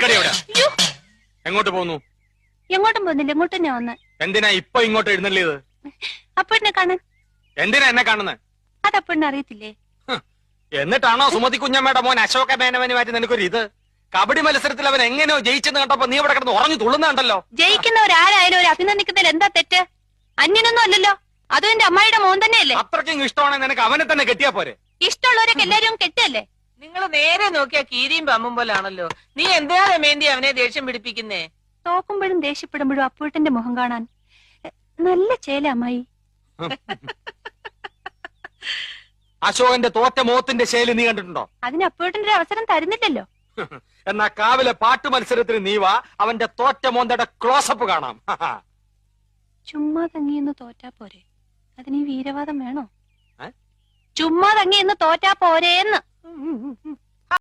നിക്കടി അവിടെ. എങ്ങോട്ട് പോന്നു? എങ്ങോട്ടും പോകുന്നില്ല, ഇങ്ങോട്ട് തന്നെ വന്ന്. എന്തിനാ ഇപ്പൊ ഇങ്ങോട്ട് എഴുന്നള്ളിയത്? അപ്പഴിനെ കാണാൻ. എന്തിനാ എന്നെ കാണുന്നത്? അതപ്പഴിനെ അറിയത്തില്ലേ? എന്നിട്ടാണോ സുമതി കുഞ്ഞമ്മയുടെ മോൻ അശോക മേനവന് മാറ്റി നിനക്കൊരു ഇത്? കബഡി മത്സരത്തിൽ അവൻ എങ്ങനെയോ ജയിച്ചെന്ന് കണ്ടപ്പോ നീ ഇവിടെ കിടന്ന് ഉറഞ്ഞു തുള്ളുന്നുണ്ടല്ലോ. ജയിക്കുന്നവരാരായാലും ഒരു അഭിനന്ദിക്കുന്നതിൽ എന്താ തെറ്റ്? അന്യനൊന്നും അല്ലല്ലോ, അതും എന്റെ അമ്മായിയുടെ മോൻ തന്നെയല്ലേ. അത്രയ്ക്കും ഇഷ്ടമാണെങ്കിൽ നിനക്ക് അവനെ തന്നെ കെട്ടിയാ പോരെ? ഇഷ്ടമുള്ളവരൊക്കെ എല്ലാരും കെട്ടല്ലേ? നിങ്ങൾ നേരെ നോക്കിയാ കീരിയും പമ്പും പോലാണല്ലോ. നീ എന്തിനാ രമേന്തി അവനെ ദേഷ്യം പിടിപ്പിക്കുന്നേ? തോക്കുമ്പോഴും ദേഷ്യപ്പെടുമ്പോഴും അപ്പൂട്ടന്റെ മുഖം കാണാൻ നല്ല ചേല അമ്മായി. അശോകന്റെ തോറ്റ മോത്തിന്റെ ശൈലി നീ കണ്ടിട്ടുണ്ടോ? അതിന് അപ്പൂട്ടന്റെ ഒരു അവസരം തരുന്നില്ലല്ലോ. എന്നാ കാവിലെ പാട്ട് മത്സരത്തിന് നീ വാ, അവന്റെ തോറ്റ മോന്തയുടെ ക്ലോസപ്പ് കാണാം. ചുമ്മാ തങ്ങിയെന്ന് തോറ്റാ പോരെ, അതിന് ഈ വീരവാദം വേണോ? ചുമ്മാ തങ്ങിയെന്ന് തോറ്റാ പോരേന്ന്.